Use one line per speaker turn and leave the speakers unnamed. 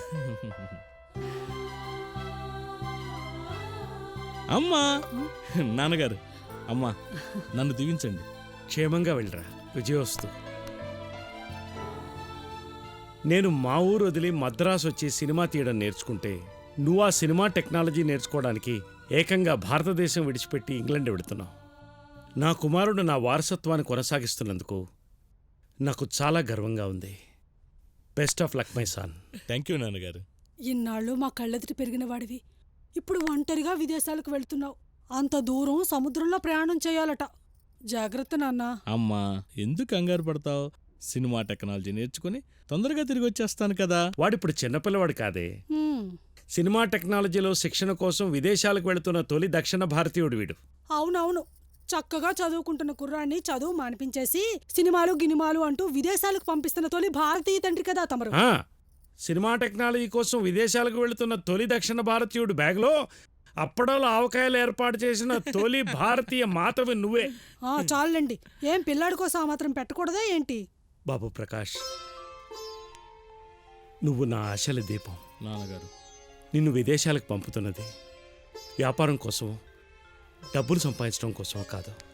అమ్మా, నాన్నగారు, అమ్మా, నన్ను దీవించండి.
క్షేమంగా వెళ్ళరా, విజయోస్తు. నేను మా ఊరు వదిలి మద్రాసు వచ్చి సినిమా తీయడం నేర్చుకుంటే నువ్వు ఆ సినిమా టెక్నాలజీ నేర్చుకోవడానికి ఏకంగా భారతదేశం విడిచిపెట్టి ఇంగ్లాండ్ వెళుతున్నావు. నా కుమారుడు నా వారసత్వాన్ని కొనసాగిస్తున్నందుకు నాకు చాలా గర్వంగా ఉంది. Best of luck my son.
Thank you నాన్నగారు.
ఇన్నాళ్ళు మా కళ్ళెదుటి పెరిగిన వాడివి, ఇప్పుడు ఒంటరిగా విదేశాలకు వెళ్తున్నావు. అంత దూరం సముద్రంలో ప్రయాణం చేయాలట. జాగ్రత్త నాన్న.
అమ్మా, ఎందుకు కంగారు పడతావు? సినిమా టెక్నాలజీ నేర్చుకుని తొందరగా తిరిగి వచ్చేస్తాను కదా.
వాడిప్పుడు చిన్నపిల్లవాడు కాదే. సినిమా టెక్నాలజీలో శిక్షణ కోసం విదేశాలకు వెళుతున్న తొలి దక్షిణ భారతీయుడు వీడు.
అవునవును, చక్కగా చదువుకుంటున్న కుర్రాన్ని చదువు మానిపించేసి సినిమాలు గినిమాలు అంటూ విదేశాలకు పంపిస్తున్న తొలి భారతీయ తండ్రి కదా తమరు.
సినిమా టెక్నాలజీ కోసం విదేశాలకు వెళుతున్న తొలి దక్షిణ భారతీయుడు బ్యాగ్లో అప్పడంలో ఆవకాయలు ఏర్పాటు చేసిన తొలి భారతీయ మాతవి నువ్వే.
చాలండి, ఏం పిల్లాడి కోసం ఆ మాత్రం పెట్టకూడదా ఏంటి?
బాబు ప్రకాష్, నువ్వు నా ఆశల దీపం.
నాన్నగారు,
నిన్ను విదేశాలకు పంపుతున్నది వ్యాపారం కోసం, డబ్బులు సంపాదించడం కోసం కాదు.